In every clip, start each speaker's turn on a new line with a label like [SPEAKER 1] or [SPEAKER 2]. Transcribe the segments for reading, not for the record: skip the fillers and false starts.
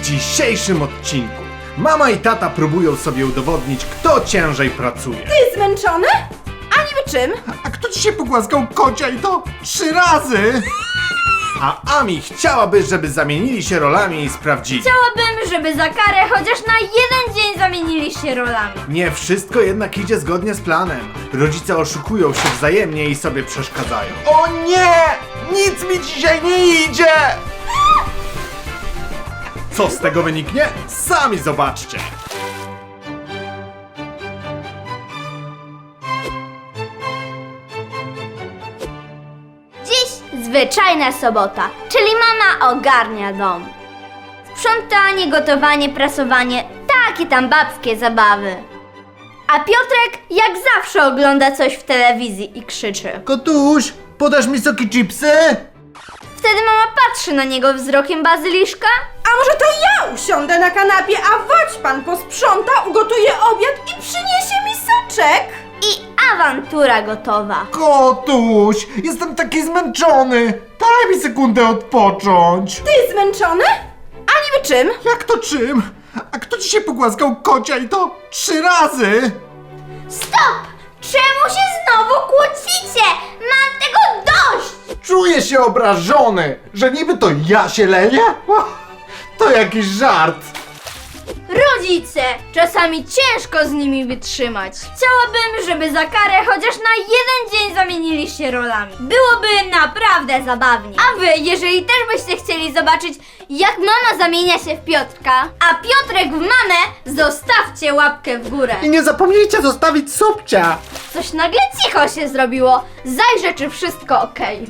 [SPEAKER 1] dzisiejszym odcinku mama i tata próbują sobie udowodnić, kto ciężej pracuje.
[SPEAKER 2] Ty zmęczony? A niby czym?
[SPEAKER 1] A kto dzisiaj pogłaskał kocia i to 3 razy? A Ami chciałaby, żeby zamienili się rolami i sprawdzili.
[SPEAKER 3] Chciałabym, żeby za karę chociaż na jeden dzień zamienili się rolami.
[SPEAKER 1] Nie wszystko jednak idzie zgodnie z planem. Rodzice oszukują się wzajemnie i sobie przeszkadzają. O nie! Nic mi dzisiaj nie idzie! Co z tego wyniknie? Sami zobaczcie!
[SPEAKER 3] Dziś zwyczajna sobota, czyli mama ogarnia dom. Sprzątanie, gotowanie, prasowanie, takie tam babskie zabawy. A Piotrek jak zawsze ogląda coś w telewizji i krzyczy.
[SPEAKER 1] Kotuś, podasz mi soki chipsy?
[SPEAKER 3] Wtedy mama patrzy na niego wzrokiem bazyliszka.
[SPEAKER 2] A może to ja usiądę na kanapie, a chodź pan posprząta, ugotuje obiad i przyniesie mi soczek?
[SPEAKER 3] I awantura gotowa.
[SPEAKER 1] Kotuś, jestem taki zmęczony. Daj mi sekundę odpocząć.
[SPEAKER 2] Ty zmęczony? A niby czym?
[SPEAKER 1] Jak to czym? A kto dzisiaj pogłaskał kocia i to 3 razy?
[SPEAKER 3] Stop! Czemu się znowu kłócicie? Mam tego dość!
[SPEAKER 1] Czuję się obrażony, że niby to ja się leję? To jakiś żart.
[SPEAKER 3] Rodzice! Czasami ciężko z nimi wytrzymać. Chciałabym, żeby za karę chociaż na jeden dzień zamienili się rolami. Byłoby naprawdę zabawnie. A wy, jeżeli też byście chcieli zobaczyć, jak mama zamienia się w Piotrka, a Piotrek w mamę, zostawcie łapkę w górę.
[SPEAKER 1] I nie zapomnijcie zostawić subcia.
[SPEAKER 3] Coś nagle cicho się zrobiło. Zajrzę, czy wszystko okej.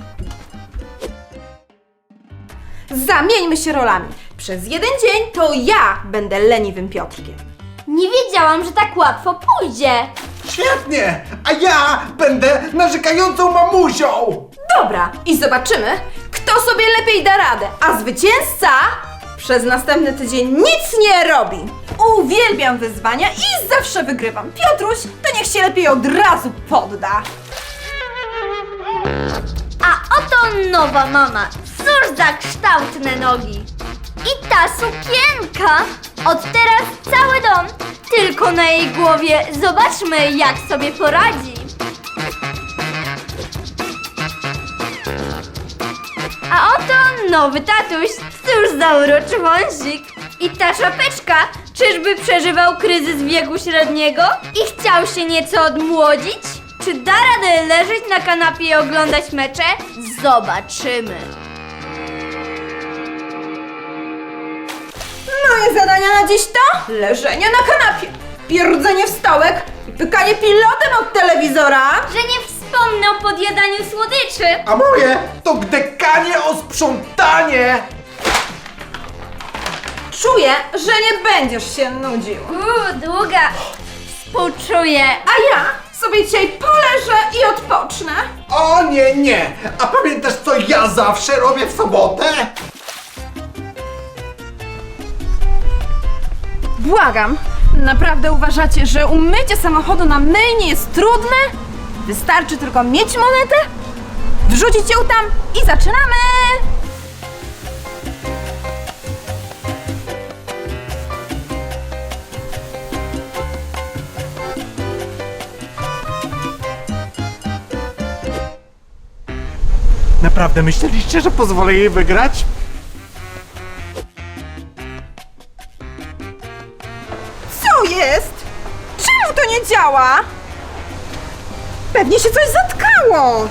[SPEAKER 2] Zamieńmy się rolami. Przez jeden dzień to ja będę leniwym Piotrkiem.
[SPEAKER 3] Nie wiedziałam, że tak łatwo pójdzie.
[SPEAKER 1] Świetnie, a ja będę narzekającą mamusią.
[SPEAKER 2] Dobra, i zobaczymy, kto sobie lepiej da radę, a zwycięzca przez następny tydzień nic nie robi. Uwielbiam wyzwania i zawsze wygrywam. Piotruś, to niech się lepiej od razu podda.
[SPEAKER 3] A oto nowa mama. Cóż za kształtne nogi. I ta sukienka. Od teraz cały dom tylko na jej głowie. Zobaczmy, jak sobie poradzi. A oto nowy tatuś. Cóż za uroczy wąsik. I ta czapeczka. Czyżby przeżywał kryzys wieku średniego i chciał się nieco odmłodzić? Czy da radę leżeć na kanapie i oglądać mecze? Zobaczymy.
[SPEAKER 2] Moje zadania na dziś to leżenie na kanapie, pierdzenie w stołek i pykanie pilotem od telewizora.
[SPEAKER 3] Że nie wspomnę o podjadaniu słodyczy.
[SPEAKER 1] A moje to gdekanie o sprzątanie.
[SPEAKER 2] Czuję, że nie będziesz się nudził.
[SPEAKER 3] Długa. Współczuję.
[SPEAKER 2] A ja sobie dzisiaj poleżę i odpocznę.
[SPEAKER 1] O nie, nie. A pamiętasz, co ja zawsze robię w sobotę?
[SPEAKER 2] Błagam, naprawdę uważacie, że umycie samochodu na myjni jest trudne? Wystarczy tylko mieć monetę, wrzucić ją tam i zaczynamy!
[SPEAKER 1] Naprawdę myśleliście, że pozwolę jej wygrać?
[SPEAKER 2] Co jest? Czemu to nie działa? Pewnie się coś zatkało.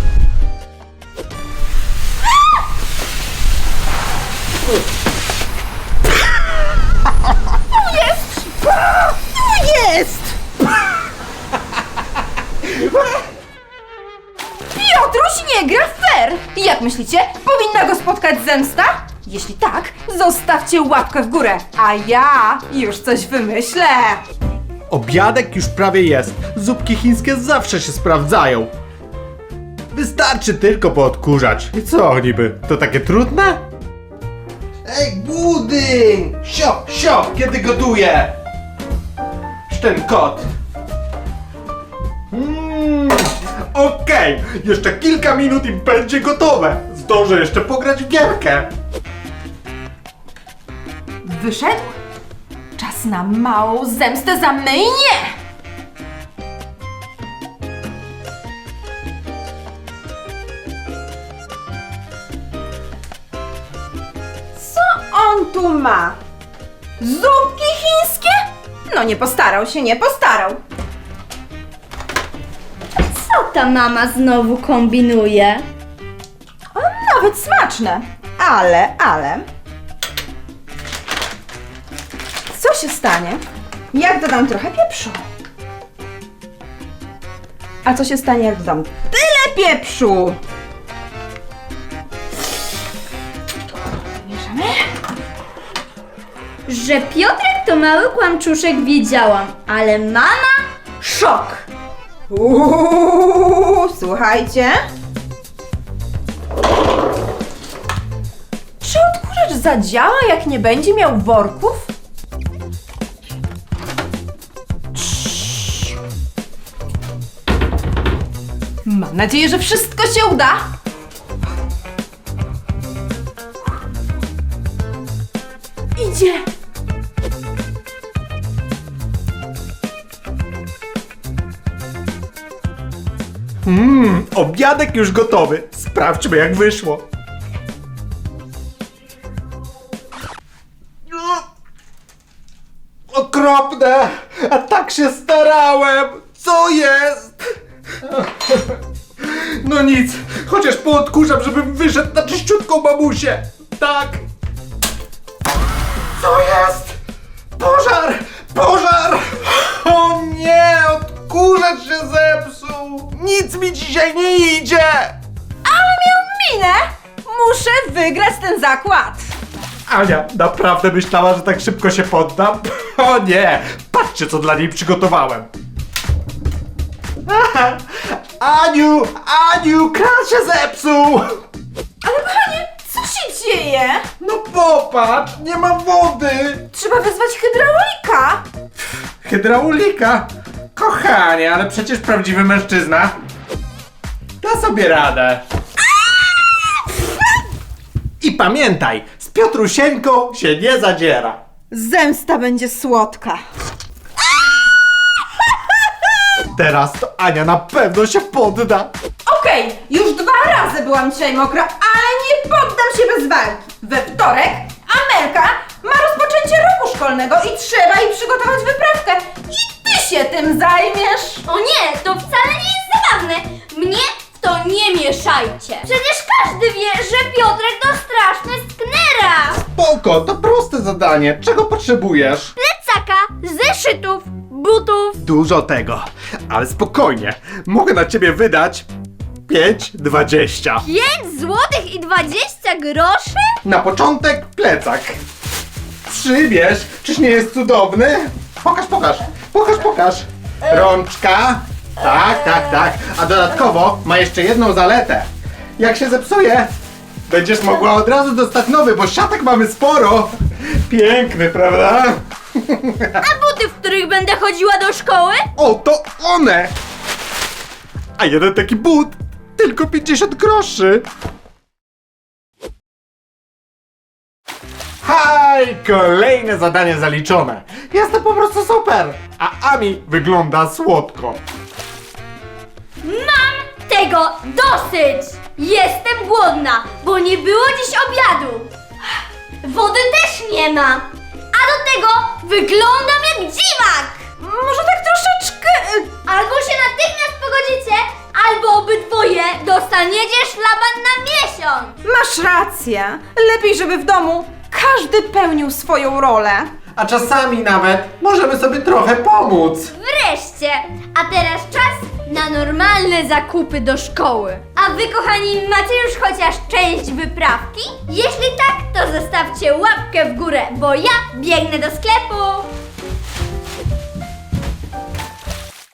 [SPEAKER 2] Tu jest! Tu jest! Piotruś nie gra fair! Jak myślicie, powinna go spotkać zemsta? Jeśli tak, zostawcie łapkę w górę, a ja już coś wymyślę!
[SPEAKER 1] Obiadek już prawie jest. Zupki chińskie zawsze się sprawdzają. Wystarczy tylko poodkurzać. I co niby? To takie trudne? Ej, budyń! Sio, kiedy gotuję? Ten kot. Okej, jeszcze kilka minut i będzie gotowe. Zdążę jeszcze pograć w gierkę.
[SPEAKER 2] Wyszedł? Czas na małą zemstę za myjnie! Co on tu ma? Zupki chińskie? No nie postarał się, nie postarał.
[SPEAKER 3] Co ta mama znowu kombinuje?
[SPEAKER 2] Nawet smaczne. Ale. Co się stanie, jak dodam trochę pieprzu? A co się stanie, jak dodam tyle pieprzu? Mieszamy.
[SPEAKER 3] Że Piotrek to mały kłamczuszek wiedziałam, ale mama?
[SPEAKER 2] Szok! Słuchajcie. Czy odkurzacz zadziała, jak nie będzie miał worków? Mam nadzieję, że wszystko się uda. Idzie.
[SPEAKER 1] Obiadek już gotowy. Sprawdźmy, jak wyszło. Okropne! A tak się starałem! Co jest? No nic, chociaż poodkurzam, żebym wyszedł na czyściutką mamusię. Tak. Co jest? Pożar! Pożar! O nie! Odkurzacz się zepsuł! Nic mi dzisiaj nie idzie!
[SPEAKER 2] Ale miał minę! Muszę wygrać ten zakład!
[SPEAKER 1] Ania naprawdę myślała, że tak szybko się poddam? O nie! Patrzcie, co dla niej przygotowałem! Aniu, kran się zepsuł!
[SPEAKER 2] Ale kochanie, co się dzieje?
[SPEAKER 1] No popatrz, nie ma wody!
[SPEAKER 2] Trzeba wezwać hydraulika!
[SPEAKER 1] Hydraulika? Kochanie, ale przecież prawdziwy mężczyzna da sobie radę. I pamiętaj, z Piotrusieńką się nie zadziera.
[SPEAKER 2] Zemsta będzie słodka.
[SPEAKER 1] Teraz to Ania na pewno się podda.
[SPEAKER 2] Okej, już 2 razy byłam dzisiaj mokra, ale nie poddam się bez walki. We wtorek Amelka ma rozpoczęcie roku szkolnego i trzeba jej przygotować wyprawkę. I ty się tym zajmiesz.
[SPEAKER 3] O nie, to wcale nie jest zabawne. Mnie w to nie mieszajcie. Przecież każdy wie, że Piotrek to straszny sknera.
[SPEAKER 1] Spoko, to proste zadanie. Czego potrzebujesz?
[SPEAKER 3] Plecaka, zeszytów, butów.
[SPEAKER 1] Dużo tego, ale spokojnie. Mogę na ciebie wydać 5,20.
[SPEAKER 3] 5 złotych i 20 groszy?
[SPEAKER 1] Na początek plecak. Przybierz, czyż nie jest cudowny? Pokaż. Rączka. Tak. A dodatkowo ma jeszcze jedną zaletę. Jak się zepsuje, będziesz mogła od razu dostać nowy, bo siatek mamy sporo. Piękny, prawda?
[SPEAKER 3] A buty, w których będę chodziła do szkoły?
[SPEAKER 1] O, to one! A jeden taki but, tylko 50 groszy. Haj, kolejne zadanie zaliczone. Jest to po prostu super. A Ami wygląda słodko.
[SPEAKER 3] Mam tego dosyć! Jestem głodna, bo nie było dziś obiadu. Wody też nie ma. A do tego wyglądam jak dziwak.
[SPEAKER 2] Może tak troszeczkę...
[SPEAKER 3] Albo się natychmiast pogodzicie, albo obydwoje dostaniecie szlaban na miesiąc.
[SPEAKER 2] Masz rację. Lepiej, żeby w domu każdy pełnił swoją rolę.
[SPEAKER 1] A czasami nawet możemy sobie trochę pomóc.
[SPEAKER 3] Wreszcie! A teraz czas na normalne zakupy do szkoły. A wy, kochani, macie już chociaż część wyprawki? Jeśli tak, to zostawcie łapkę w górę, bo ja biegnę do sklepu.